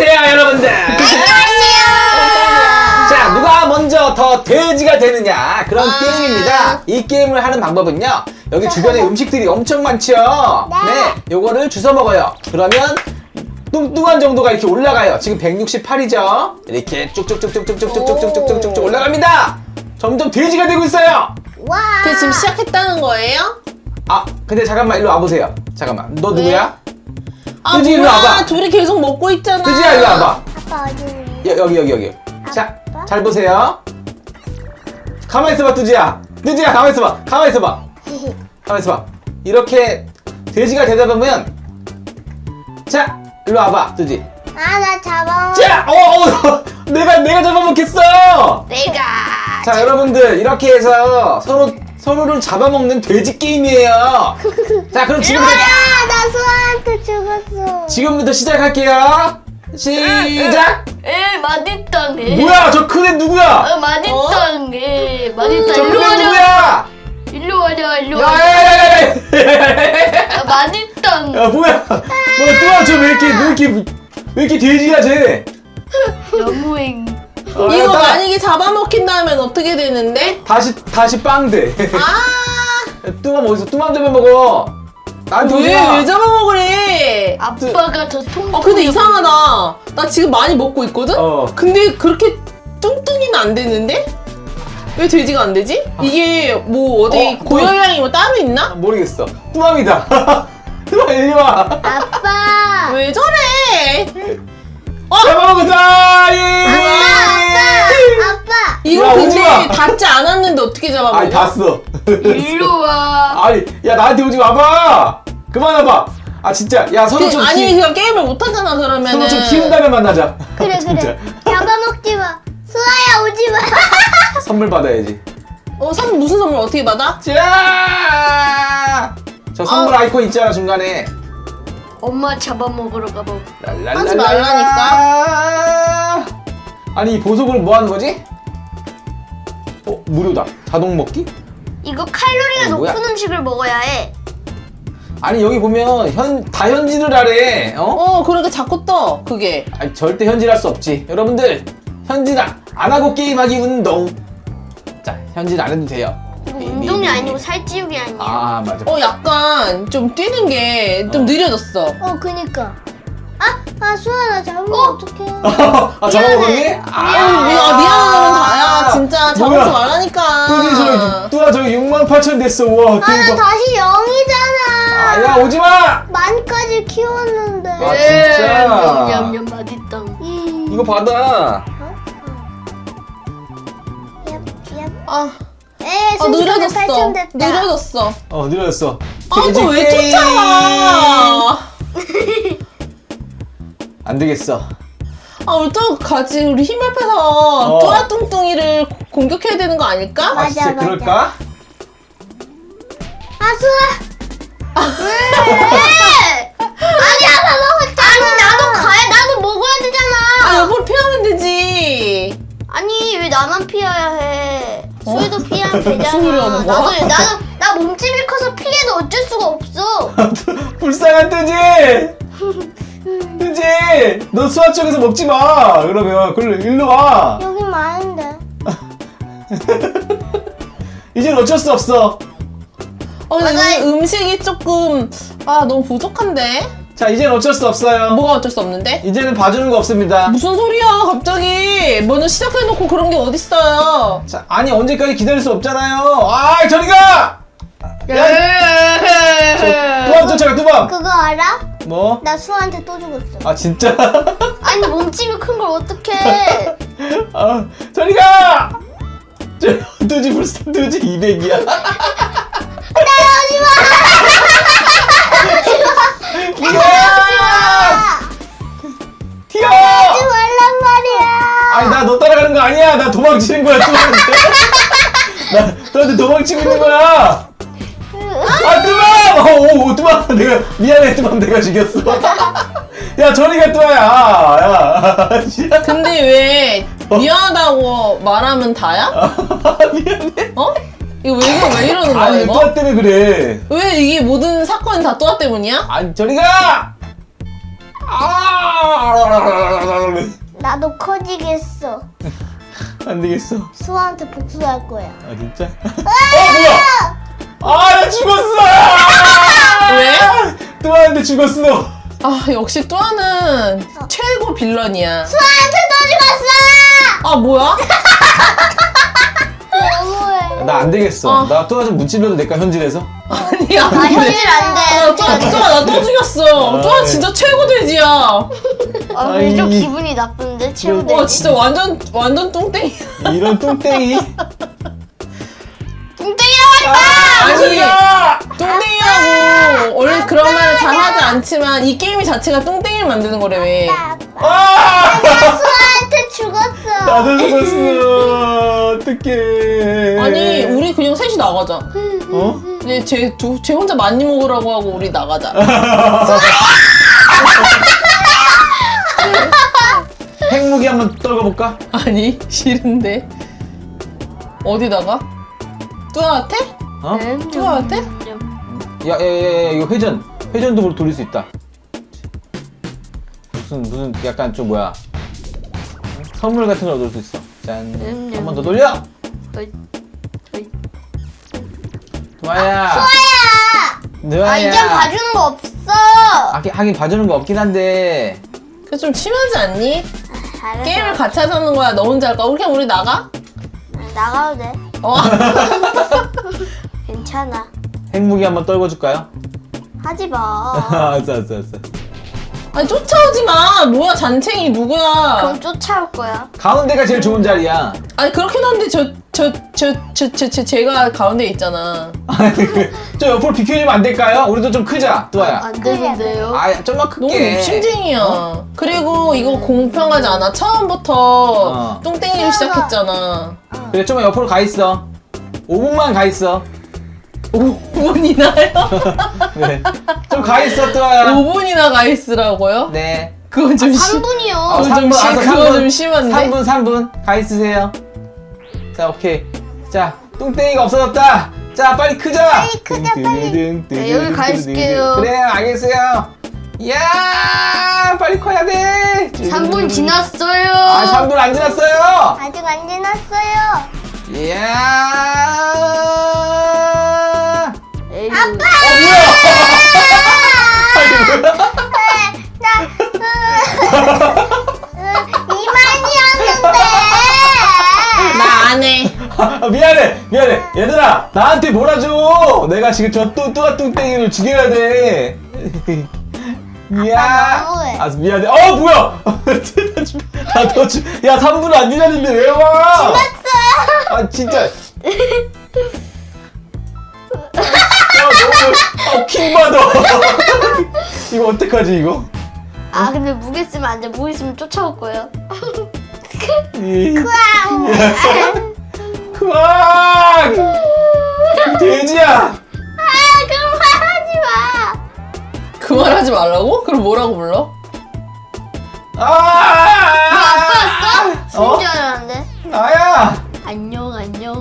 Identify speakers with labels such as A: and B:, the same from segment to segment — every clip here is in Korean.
A: 안녕하세요, 여러분들.
B: 안녕하세요.
A: 자, 누가 먼저 더 돼지가 되느냐 그런 게임입니다. 이 게임을 하는 방법은요, 여기 주변에 음식들이 엄청 많죠. 네, 요거를 주워 먹어요. 그러면 뚱뚱한 정도가 이렇게 올라가요. 지금 168이죠. 이렇게 쭉쭉쭉쭉쭉쭉쭉쭉쭉쭉쭉 올라갑니다. 점점 돼지가 되고 있어요.
B: 와.
C: 그 지금 시작했다는 거예요?
A: 아, 근데 잠깐만 일로 와보세요. 잠깐만, 너 누구야?
C: 아,
A: 뚜지, 일로
C: 뭐야?
A: 와봐.
C: 둘이 계속 먹고 있잖아.
A: 뚜지야, 일로 와봐.
B: 아빠 어디 있니?
A: 여기. 자,
B: 아빠?
A: 잘 보세요. 가만히 있어봐, 뚜지야. 뚜지야, 가만히 있어봐. 가만히 있어봐. 가만히 있어봐. 이렇게 돼지가 되다 보면, 자, 일로 와봐, 뚜지.
B: 아, 나 잡아.
A: 자, 내가 잡아먹겠어.
B: 내가.
A: 자, 여러분들 이렇게 해서 서로를 잡아먹는 돼지 게임이에요. 자, 그럼 지금부터
B: 나 수아한테 죽었어.
A: 시작할게요. 시작.
D: 맛있다.
A: 뭐야, 저 큰 애 누구야?
D: 맛있다. 맛있다.
A: 저 큰
D: 일로
A: 애
D: 와라.
A: 누구야?
D: 일로 와라. 일로 와라.
A: 야야야야야!
D: 맛있다.
A: 야, 뭐야? 뚜아, 저 왜 이렇게 돼지야, 쟤?
D: 너무행.
C: 이거 만약에 잡아먹힌 다음엔 어떻게 되는데?
A: 다시 빵돼.
C: 아,
A: 뚜맘 어디서 뚜맘 잡아 먹어? 나한테 오지 마.
C: 왜 잡아먹으래?
D: 아빠가 더 통.
C: 근데 이상하다. 나 지금 많이 먹고 있거든? 근데 그렇게 뚱뚱이는 안 되는데? 왜 돼지가 안 되지? 이게 뭐 어디 고열량이 뭐 따로 있나?
A: 모르겠어. 뚜맘이다. 뚜맘 이리 와.
B: 아빠.
C: 왜 저래?
A: 잡아먹었다.
B: 아빠.
C: 이거
A: 야, 오지
C: 근데
A: 마.
C: 닿지 않았는데 어떻게 잡아먹어?
A: 아니, 봤어.
D: 일로 와.
A: 아니, 야, 나한테 오지 마봐. 그만 와봐. 아, 진짜. 야, 서로 좀
C: 아니 그냥 게임을 못하잖아 그러면은.
A: 서로 좀 키운 다음에 만나자.
B: 그래.
A: 진짜.
B: 잡아먹지 마. 수아야 오지 마.
A: 선물 받아야지.
C: 선물 무슨 선물 어떻게 받아?
A: 자, 저 선물 아이콘 있잖아, 중간에.
D: 엄마 잡아먹으러 가봐.
C: 하지 말라니까.
A: 아니, 이 보석을 뭐 하는 거지? 무료다. 자동 먹기?
D: 이거 칼로리가
A: 뭐야?
D: 높은 음식을 먹어야 해.
A: 아니, 여기 보면 다 현질을 하래.
C: 그러니까 자꾸 떠 그게.
A: 아니, 절대 현질할 수 없지. 여러분들, 현질 안 하고 게임하기 운동. 자, 현질 안 해도 돼요.
D: 이거 운동이 아니고 살찌우기 아니야.
A: 아, 맞아.
C: 약간 좀 뛰는 게 좀 느려졌어.
B: 그니까. 수아 나 잡으면 어떡해.
A: 아, 잡아먹었니?
C: 미안하다면 다야. 진짜 잡지
A: 뭐야?
C: 말라니까.
A: 뚜아 저기 68,000 됐어. 와,
B: 나
A: 대박.
B: 다시 0이잖아.
A: 아, 야, 오지 마!
B: 만까지 키웠는데.
A: 아, 진짜.
D: 냠냠 맛있다.
A: 이거 받아.
C: 느려졌어.
B: 8천 됐다.
C: 느려졌어.
A: 느려졌어.
C: 너 왜 쫓아와?
A: 안 되겠어.
C: 우리 또 같이 우리 힘 합해서 뚜아 뚱뚱이를 공격해야 되는 거 아닐까?
B: 맞아,
A: 진짜
B: 맞아.
A: 그럴까?
B: 수아. 왜? 아니 아빠 먹었잖아.
D: 아니 나도 가야. 나도 먹어야 되잖아.
C: 옆으로 피하면 되지.
D: 아니 왜 나만 피해야 해? 수희도 피하면 되잖아.
C: 무슨 소리 하는 거야?
D: 나 몸집이 커서 피해도 어쩔 수가 없어.
A: 불쌍한 뜨지! 뜨지! 너 수아 쪽에서 먹지 마! 그러면, 일로 와!
B: 여기 많은데.
A: 이젠 어쩔 수 없어.
C: 근데 음식이 조금 너무 부족한데?
A: 자, 이젠 어쩔 수 없어요.
C: 뭐가 어쩔 수 없는데?
A: 이제는 봐주는 거 없습니다.
C: 무슨 소리야 갑자기. 먼저 시작해놓고 그런 게 어딨어요.
A: 자, 아니, 언제까지 기다릴 수 없잖아요. 저리 가! 뚜밤 쫓아가, 뚜밤!
B: 그거 알아?
A: 뭐?
B: 나 수아한테 또 죽었어.
A: 아, 진짜?
D: 아니 몸집이 큰 걸 어떡해?
A: 저리 가! 뜨지 불쌍, 뜨지 200이야. 튀어!
B: 하지 말란 말이야.
A: 아니, 나 너 따라가는 거 아니야. 나 도망치는 거야, 뚜밤한테. 나 너한테 도망치고 있는 거야. 뚜밤! 뚜밤! 미안해, 뚜밤, 내가 죽였어. 야, 저리 가, 뚜밤야. 야.
C: 근데 왜 미안하다고 말하면 다야?
A: 미안해.
C: 이거 왜 이러는 거야
A: 아니,
C: 이거?
A: 뚜아 때문에 그래.
C: 왜 이게 모든 사건이 다 뚜아 때문이야?
A: 아니, 저리 가!
B: 되지겠어.
A: 안 되겠어.
B: 수아한테 복수할 거야.
A: 아 진짜? 뭐야? 나 죽었어!
C: 왜?
A: 뚜아한테 죽었어.
C: 아 역시 뚜아는 최고 빌런이야.
B: 수아한테 또 죽었어!
C: 아 뭐야?
B: 너무해.
A: 나 안 되겠어. 나 뚜아 좀 문질러도 될까 현질에서?
C: 아니야.
B: 현질 안 돼.
C: 뚜아 나 또 죽였어. 뚜아 진짜 최고 돼지야.
D: 근데 좀
A: 아이.
D: 기분이 나쁜데 최고
C: 와 진짜 완전 뚱땡이.
A: 이런 뚱땡이.
D: 뚱땡이라고
C: 아니 뚱땡이라고 원래 그런 말을 잘 하지 않지만 이 게임 자체가 뚱땡이를 만드는 거래 왜?
B: 수아한테 죽었어.
A: 나도 죽었어. 어떡해.
C: 아니 우리 그냥 셋이 나가자.
A: 어?
C: 이제 쟤 혼자 많이 먹으라고 하고 우리 나가자.
A: 핵무기 한번 떨궈볼까?
C: 아니 싫은데. 어디다가? 뚜아한테?
A: 어?
C: 뚜아한테?
A: 야, 이거 회전도 돌릴 수 있다. 무슨 약간 좀 뭐야? 선물 같은 걸 얻을 수 있어. 짠. 한 번 더 돌려. 누아야. 누아야.
D: 이젠 봐주는 거 없어.
A: 하긴 봐주는 거 없긴 한데.
C: 그 좀 심하지 않니?
D: 잘해서.
C: 게임을 같이 하자는 거야. 너 혼자 할까? 그냥 우리 나가?
D: 나가도 돼.
C: 어.
D: 괜찮아.
A: 핵무기 한번 떨궈줄까요?
D: 하지 마.
A: 알았어.
C: 아니 쫓아오지 마. 뭐야 잔챙이 누구야?
D: 그럼 쫓아올 거야.
A: 가운데가 제일 좋은 자리야.
C: 아니 그렇긴 한데 제가 가운데 있잖아.
A: 저 옆으로 비켜주면 안 될까요? 우리도 좀 크자, 뚜아야.
D: 안 되는데요.
A: 좀만
C: 너무
A: 크게.
C: 욕심쟁이야. 그리고 이거 공평하지 않아. 처음부터
A: 어.
C: 뚱땡이를 시작했잖아.
A: 그래, 좀만 옆으로 가 있어. 5분만 가 있어.
C: 5분이나요?
A: 네. 좀 가 있어, 뚜아야.
C: 5분이나 가 있으라고요?
A: 네.
C: 그건 좀
D: 3분이요.
C: 그거 좀 심한데?
A: 3분 가 있으세요. 자, 오케이. 자, 뚱땡이가 없어졌다. 자, 빨리 크자.
B: 빨리 크자, 빨리.
D: 네, 여기 가 있을게요.
A: 그래, 알겠어요. 야, 빨리 커야 돼.
D: 3분 지났어요.
A: 3분 안 지났어요.
B: 아직 안 지났어요.
A: 이야.
D: 아빠.
B: 이만이었는데.
C: 나 안 해.
A: 미안해. 얘들아, 나한테 몰아줘. 내가 지금 저 뚜아 뚱땡이를 죽여야 돼. 이야.
B: 너무해.
A: 미안해. 뭐야. 야, 3분 안 지났는데 왜 와? 진짜. 너무 킹받아. 이거 어떡하지 이거?
D: 근데 무게 쓰면 안 돼. 무게 쓰면 쫓아올 거예요.
A: 크악! 돼지야!
B: 그만하지 마.
C: 그 말 하지 말라고? 그럼 뭐라고 불러?
D: 아빠였어?
A: 어?
D: 진짜 알았는데.
A: 나야!
D: 안녕.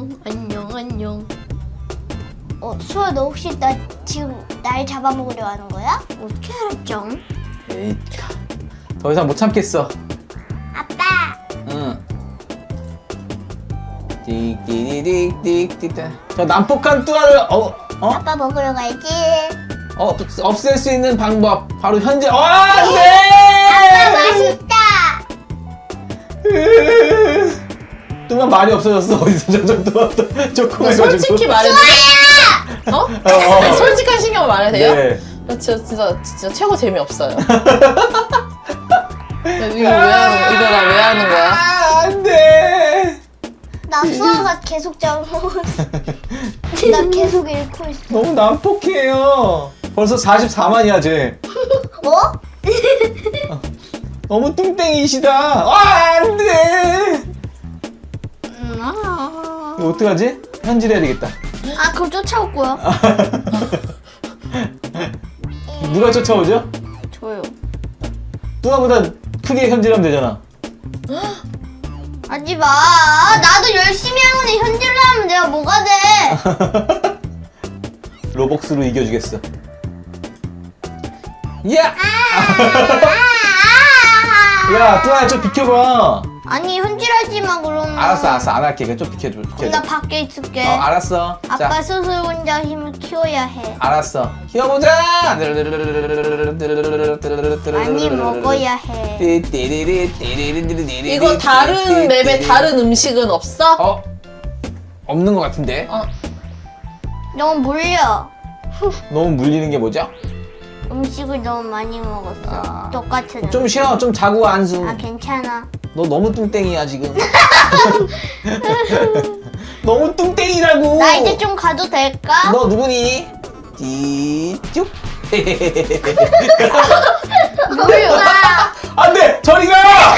B: 수아 너 혹시 나 지금 날 잡아먹으려 하는 거야?
D: 어떻게 알았죠?
A: 에이, 더 이상 못 참겠어.
B: 아빠.
A: 응. 띡. 저 난폭한 뚜아를
B: 아빠 먹으러 가야지.
A: 없앨 수 있는 방법 바로 현재.
B: 아빠
A: 안돼!
B: 맛있다.
A: 뚜만 말이 없어졌어. 어디서 점점 뚜아 조금해가지고.
C: 솔직히 말해도 어? 솔직한 신경을 말해도 돼요?
A: 네.
C: 나 진짜 최고 재미없어요. 이거 나 왜 하는 거야?
A: 안돼.
B: 나 수아가 계속 잡아먹었어. 나 계속 잃고 있어.
A: 너무 난폭해요. 벌써 44만이야 쟤.
B: 뭐?
A: 너무 뚱땡이시다. 안돼. 이거 어떡하지? 현질해야 되겠다.
D: 그럼 쫓아올 거야.
A: 누가 쫓아오죠?
D: 저요.
A: 뚜아보다 크게 현질하면 되잖아.
D: 하지 마. 나도 열심히 하는데 현질을 하면 내가 뭐가 돼?
A: 로벅스로 이겨주겠어. 야! 야, 뚜아야 좀 비켜봐.
D: 아니 현질하지 마 그러면.
A: 알았어, 안 할게. 그냥 좀 비켜줘.
D: 나 밖에 있을게.
A: 알았어.
D: 아빠
A: 자,
D: 스스로 혼자 힘을 키워야 해.
A: 알았어. 키워보자.
D: 많이 먹어야 해.
C: 이거 다른 맵에 다른 음식은 없어?
A: 없는 것 같은데.
D: 너무 물려.
A: 너무 물리는 게 뭐죠?
D: 음식을 너무 많이 먹었어.
A: 아.
D: 똑같은.
A: 좀 쉬어. 좀 자고 안수.
D: 아 괜찮아.
A: 너 너무 뚱땡이야 지금. 너무 뚱땡이라고.
D: 나 이제 좀 가도 될까?
A: 너 누구니? 띠쭉.
D: 몰라.
A: 안돼, 저리 가.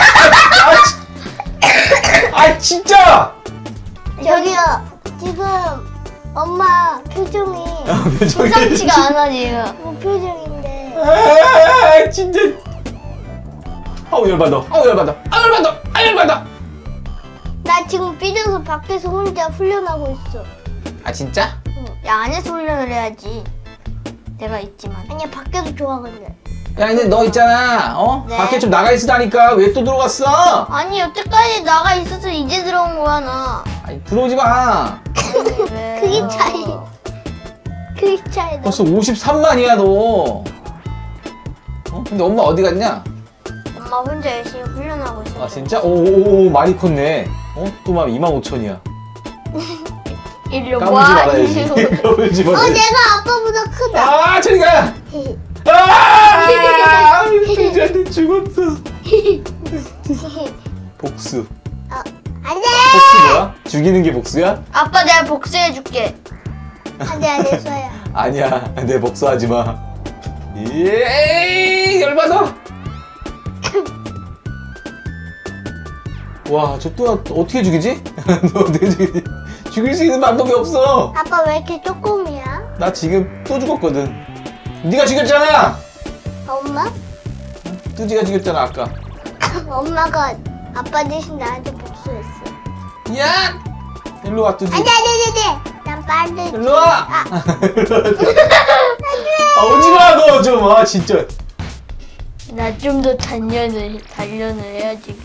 A: 진짜.
B: 저기요. 지금 엄마 표정이
D: 심상치가 않아 지금.
B: 뭐 표정인데.
A: 진짜. 열받아. 열받아.
B: 나 지금 삐져서 밖에서 혼자 훈련하고 있어.
A: 아 진짜?
D: 야 안에서 훈련을 해야지. 내가 있지만.
B: 아니야 밖에도 좋아 근데.
A: 야 근데 너 있잖아.
D: 네.
A: 밖에 좀 나가 있으다니까 왜 또 들어갔어?
D: 아니 여태까지 나가 있어서 이제 들어온 거야 나.
A: 아니, 들어오지 마.
D: 왜?
B: 그게 차이. 그게 차이다.
A: 벌써 53만이야 너. 근데 엄마 어디 갔냐?
D: 엄마 혼자 열심히 훈련하고 있어.
A: 아 진짜? 오 많이 컸네. 또만 25,000이야.
D: 일로
A: 까불지
D: 와.
A: 말아야지. 까불지 말아야지.
B: 내가 아빠보다 크다.
A: 아 저리 가. 돼지한테 죽었어. 복수.
B: 안돼.
A: 복수 뭐야? 죽이는 게 복수야?
D: 아빠 내가 복수해줄게.
B: 안돼 안 했어요.
A: 아니야, 내 복수하지 마. 예, 열받아. 와, 저 또 어떻게 죽이지? 너 어떻게 죽이지? 죽일 수 있는 방법이 없어.
B: 아빠 왜 이렇게 조금이야?
A: 나 지금 또 죽었거든. 네가 죽였잖아.
B: 엄마?
A: 뚜지가 죽였잖아 아까.
B: 엄마가 아빠 대신 나한테 복수했어.
A: 야, 일로 와 뚜지.
B: 안돼. 난 빨리.
A: 일로 와. 오지 마, 너 좀. 진짜.
D: 나 좀 더 단련을 해야지.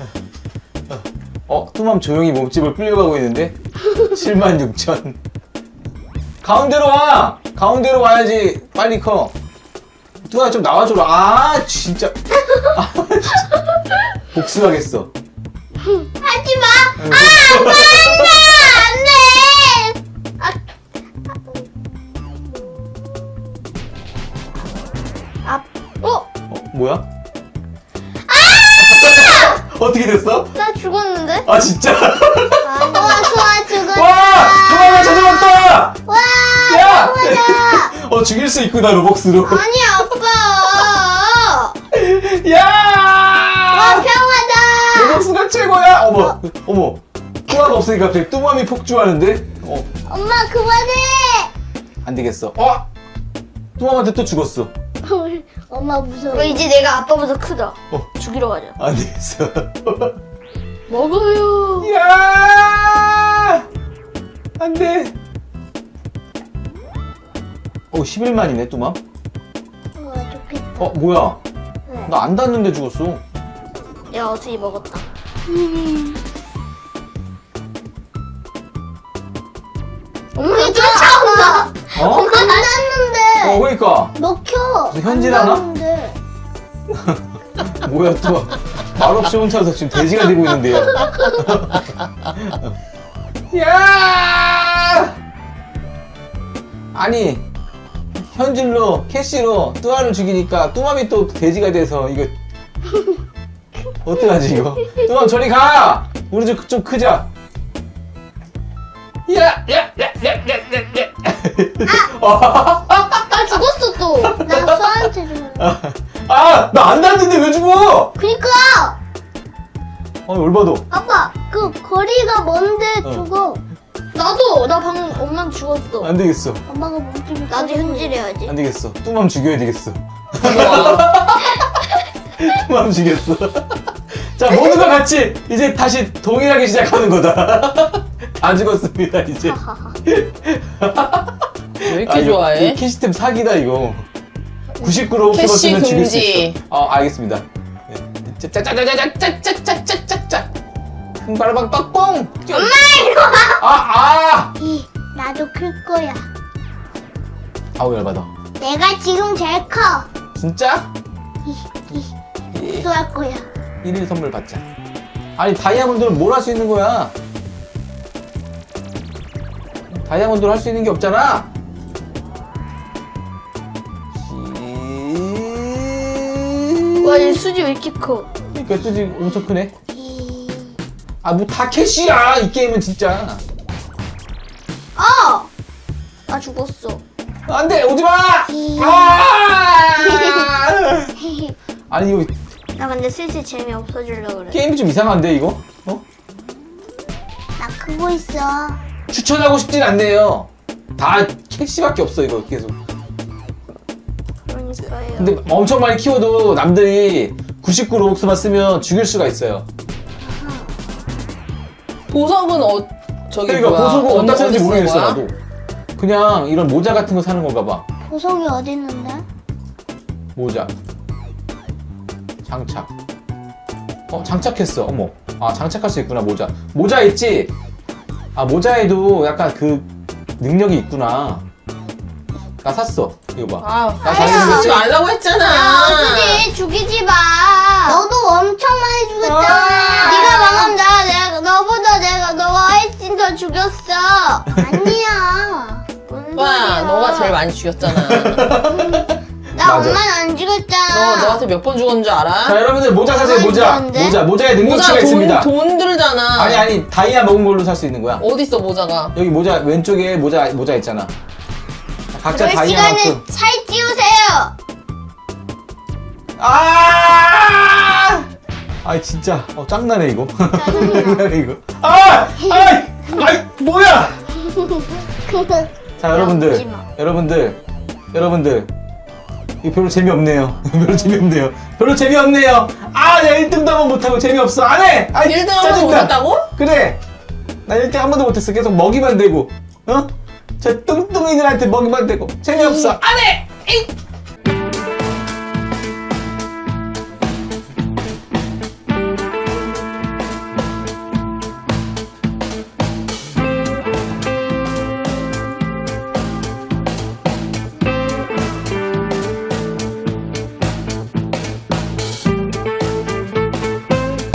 A: 뚜맘 조용히 몸집을 불려가고 있는데 76,000. 가운데로 와. 가운데로 와야지 빨리 커. 뚜아 좀 나와줘라. 진짜. 진짜. 복수하겠어.
B: 하지 마.
A: 뭐야? 어떻게 됐어?
D: 나 죽었는데?
A: 아 진짜?
B: 소아 죽었다.
A: 와! 뚜맘아 찾아왔다!
B: 와.
A: 야! 죽일 수 있구나 로벅스로.
D: 아니 아빠.
A: 야!
B: 평화다.
A: 로벅스가 최고야. 어머. 뚜아가 없으니까 갑자기 뚜맘이 폭주하는데.
B: 엄마 그만해.
A: 안 되겠어. 뚜맘한테 또 죽었어.
B: 엄마 무서워.
D: 그럼 이제 내가 아빠보다 크다. 죽이러 가자.
A: 안 되겠어.
D: 먹어요.
A: 야! 안 돼. 11만이네, 뚜맘.
B: 좋겠다.
A: 뭐야?
B: 네.
A: 나 안 닿는데 죽었어.
D: 내가 어떻게 먹었다.
B: 엄마 쫓아온다.
A: 어?
B: 안 났는데.
A: 그러니까.
B: 먹혀.
A: 무슨 현질하나?
B: 안 났는데.
A: 뭐야, 또. 말없이 혼자서 지금 돼지가 되고 있는데요. 야! 아니, 현질로, 캐시로 뚜아를 죽이니까 뚜맘이 또 돼지가 돼서 이거. 어떡하지, 이거? 뚜맘 저리 가! 우리 좀 크자. 야!
D: 나 죽었어 또.
B: 나 소아한테 좀.
A: 나 안 닿는데 왜 죽어?
B: 그니까.
A: 열받아.
B: 아빠 그 거리가 먼데 죽어.
D: 나도 나 방금 엄마 죽었어.
A: 안 되겠어.
B: 엄마가 몸집이
D: 나도
B: 커서
D: 현질해야지.
A: 안 되겠어. 뚜맘 죽여야 되겠어. 뚜맘 죽였어. 자, 모두가 같이 이제 다시 동일하게 시작하는 거다. 다 죽었습니다, 이제.
C: 왜 이렇게 좋아해?
A: 이 캐시템 사기다, 이거. 99로
C: 캐시
A: 키웠으면 죽일 수
C: 금지.
A: 있어. 알겠습니다. 네. 짜짜짜짜짜짜짜짜짜짜짜. 바라방 빡뽕.
B: 엄마 이리 와.
A: 아.
B: 나도 클 거야.
A: 아우 열받아.
B: 내가 지금 제일 커.
A: 진짜?
B: 수할 거야.
A: 1일 선물 받자. 아니 다이아몬드는 뭘 할 수 있는 거야? 다이아몬드로 할 수 있는 게 없잖아.
B: 와, 이 수지 왜 이렇게 커?
A: 그러니까 뚜지 엄청 크네. 아 뭐 다 캐시야 이 게임은 진짜.
B: 나 죽었어.
A: 안돼 오지마. 아! 아니 이거
B: 나 근데 슬슬 재미 없어지려고 그래.
A: 게임이 좀 이상한데 이거? 어?
B: 나 크고 있어.
A: 추천하고 싶진 않네요. 다 캐시밖에 없어 이거 계속.
B: 그러니까요.
A: 근데 엄청 많이 키워도 남들이 99 로벅스만 쓰면 죽일 수가 있어요.
C: 보석은 저기
A: 그러니까
C: 뭐야?
A: 보석은 어디다 쓰는지
C: 쓰는
A: 모르겠어
C: 거야?
A: 나도. 그냥 이런 모자 같은 거 사는 건가 봐.
B: 보석이 어디 있는데?
A: 모자. 장착. 장착했어. 어머. 아 장착할 수 있구나 모자. 모자 있지? 아 모자에도 약간 그 능력이 있구나. 나 샀어. 이거 봐.
C: 아,
A: 나
C: 아,
A: 자신
C: 쓰지 말라고 했잖아.
B: 수지 죽이지 마. 너도 엄청 많이 죽였잖아.
A: 아.
B: 네가 방금 너보다 너가 훨씬 더 죽였어. 아니야. 뭔
C: 와,
B: 소리야.
C: 너가 제일 많이 죽였잖아.
B: 나
A: 맞아.
B: 엄마는 안 죽였잖아.
C: 너한테 몇 번 죽었는 줄 알아?
A: 자 여러분들 모자 사세요 모자.
B: 죽었는데?
A: 모자에 능력치가 있습니다.
C: 돈 들잖아.
A: 아니 다이아 먹은 걸로 살 수 있는 거야.
C: 어딨어 모자가?
A: 여기 모자 왼쪽에 모자 있잖아. 각자
B: 그럴
A: 다이아만큼.
B: 시간에 살 찌우세요.
A: 아 진짜 짱나네 이거. 짱나네 이거. 아이 뭐야? 자
B: 웃지 마.
A: 여러분들 이거 별로 재미없네요. 별로 재미없네요. 아 내가 1등도 한 번 못하고 재미없어. 안해.
C: 1등 한 번도 못했다고?
A: 그래. 나 1등 한 번도 못했어. 계속 먹이만 되고 저 뚱뚱이들한테 먹이만 되고 재미없어. 안해.